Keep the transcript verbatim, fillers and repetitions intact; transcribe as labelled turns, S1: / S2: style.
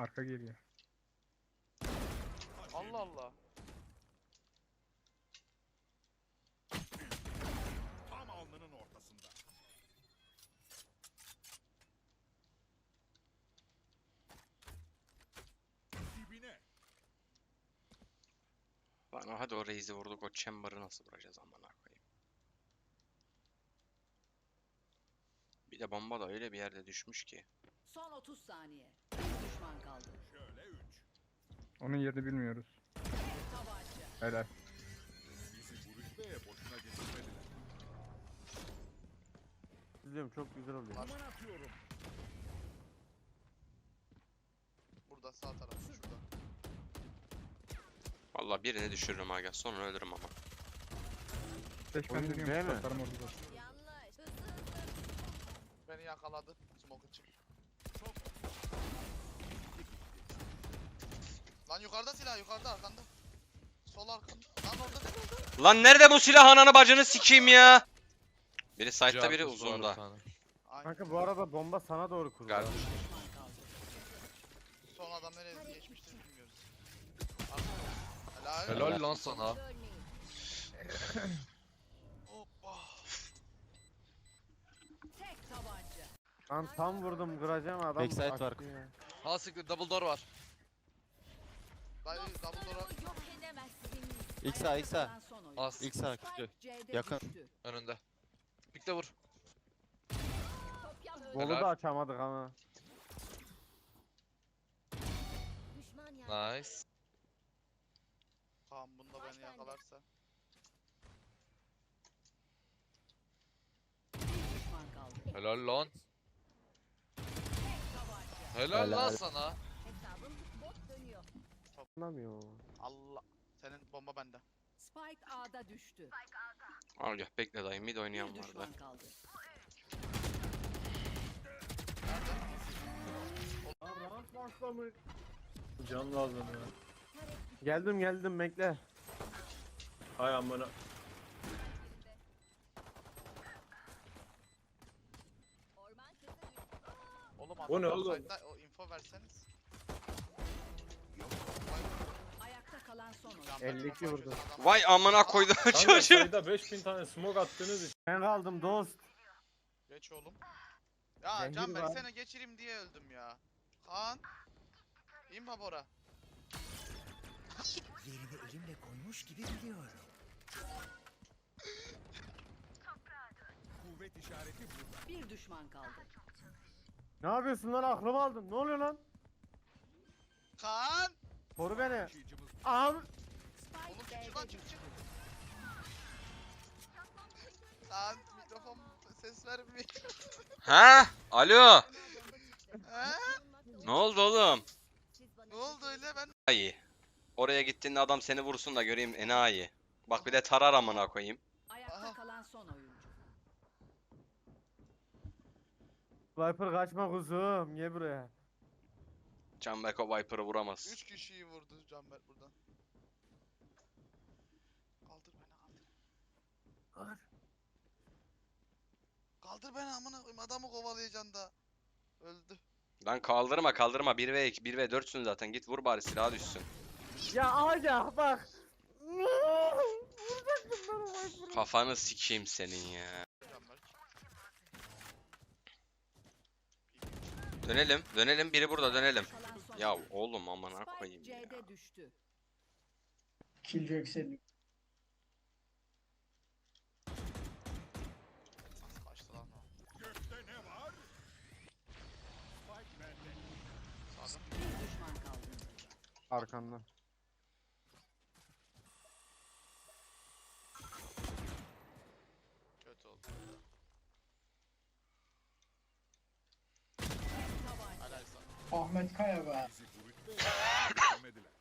S1: Arka geliyor.
S2: Allah Allah.
S3: Tam alnının ortasında. Dibine.
S4: Lan hadi o Raze'i vurduk, o Chamber'ı nasıl vuracağız amına koyayım. Bir de bomba da öyle bir yerde düşmüş ki.
S5: Son otuz saniye. Bir düşman kaldı.
S3: Şöyle üç.
S1: Onun yerini bilmiyoruz.
S5: Tabanca.
S1: Helal.
S3: Bizi bu rütbeye boşuna getirmediler.
S6: İzliyorum, çok güzel oluyor.
S3: Aman atıyorum.
S2: Burada sağ tarafta şurada.
S4: Vallahi birini düşürürüm aga, sonra ölürüm ama.
S1: Beş
S6: Oyun
S1: ben
S6: değil
S1: dönüyorum.
S6: mi?
S1: Satarım orada.
S5: Yanlış. Hızlı hızlı.
S2: Beni yakaladı. Smoke için. Lan yukarıda silah, yukarıda arkanda. Sol arkanda. Lan orada ne oldu?
S4: Lan nerede bu silah, ananı bacını sikeyim ya. Biri side'da, biri
S7: Cartus var bir
S4: uzunda.
S7: tane.
S2: Ay,
S6: Kanka bu arada bomba sana doğru kurdu.
S7: Geldi.
S5: Düşman kaldı.
S2: son adam nereye geçmiştir bilmiyoruz. Arkada. Helal.
S7: Helal lan sana.
S2: Hoppa.
S5: Tek tabanca.
S6: Lan tam vurdum, kıracağım adam.
S7: Backside
S6: açtı
S7: var.
S6: ya.
S7: Ha siktir, double door var.
S2: Dayı double door'a.
S5: Yok edemezsiniz.
S7: İlk sağ, ilk sağ.
S5: Kalan son oyun.
S7: Az. İlk sağ küçük.
S5: Spike C'de
S7: Yakın.
S5: düştü.
S7: Önünde. Pikte vur.
S5: Kopya öldü.
S6: Golü
S7: Helal.
S6: da açamadık ama.
S7: Nice.
S2: Kaan bunda beni yakalarsa.
S5: Bir düşman kaldı.
S7: Helal lan.
S5: Tabanca.
S7: Helal lan sana.
S5: Hesabım bot dönüyor.
S6: Anlamıyor.
S2: Allah. Senin bomba bende.
S5: Spike A'da düştü.
S4: Al gel, bekle dayı, mid oynayan
S5: Bir
S4: vardı.
S5: düşman kaldı.
S8: Can lazım ya.
S6: Geldim geldim, bekle.
S8: Hay amına.
S5: Orman kızı.
S2: Oğlum
S8: O ne
S2: adam
S8: oğlum?
S2: side'da, o info verseniz.
S5: Ayakta kalan son oyun.
S2: Canberk
S6: elli iki
S2: bomba
S6: vurdu.
S2: açıyorsun adam.
S4: Vay amına koydum
S8: Kanka
S4: çocuğu.
S8: sayıda beş bin tane smoke attığınız için.
S6: Ben kaldım dost.
S2: Geç oğlum. Ya
S6: Zengin
S2: Canberk
S6: var.
S2: seni geçireyim diye öldüm ya. Kaan. İmpa Bora.
S9: Yerini elimle koymuş gibi biliyorum.
S3: Kuvvet işareti burada.
S5: Bir düşman kaldı.
S6: Ne yapıyorsun lan, aklımı aldın. Ne oluyor lan?
S2: Kaan.
S6: Koru beni.
S3: Taşıyıcımız
S6: Abi.
S2: Oğlum
S5: Spike
S2: çık lan
S5: B'de
S2: çık
S5: düştü.
S2: çık. Kaan mikrofon ses vermiyor.
S4: Ha? Alo.
S2: He?
S4: Ne oldu oğlum?
S2: Ne oldu öyle ben?
S4: Enayi. Oraya gittiğinde adam seni vursun da göreyim, enayi. Bak bir de tarar amına koyayım.
S5: Ayakta
S2: Aha.
S5: kalan son oyuncu.
S6: Viper kaçma kuzum. Gel buraya.
S4: Canberk o Viper'ı vuramaz.
S2: Üç kişiyi vurdu Canberk buradan. Kaldır beni kaldır.
S6: Kaldır.
S2: Kaldır beni amına koyayım, adamı kovalayacaksın da. Öldü.
S4: Lan kaldırma kaldırma, bir ve iki, bir ve dörtsün zaten, git vur bari, silaha düşsün.
S6: Ya aga bak. Vuracaktım ben o Viper'ı.
S4: Kafanı sikeyim senin ya.
S2: Canberk.
S4: Dönelim dönelim, biri burada, dönelim.
S5: Kalan son
S4: Ya
S5: oyuncu.
S4: oğlum amına
S5: Spike
S4: koyayım ya.
S5: C'de düştü.
S8: Killjoy senin.
S2: Nasıl kaçtı lan o?
S3: gökte ne var? Spike bende.
S2: Sağda.
S5: Bir düşman kaldı.
S6: Arkandan.
S2: Kötü oldu.
S5: Tabanca.
S2: Helal sana.
S8: Ahmet Kaya be.
S3: Bizi bu rütbeye boşuna getirmediler.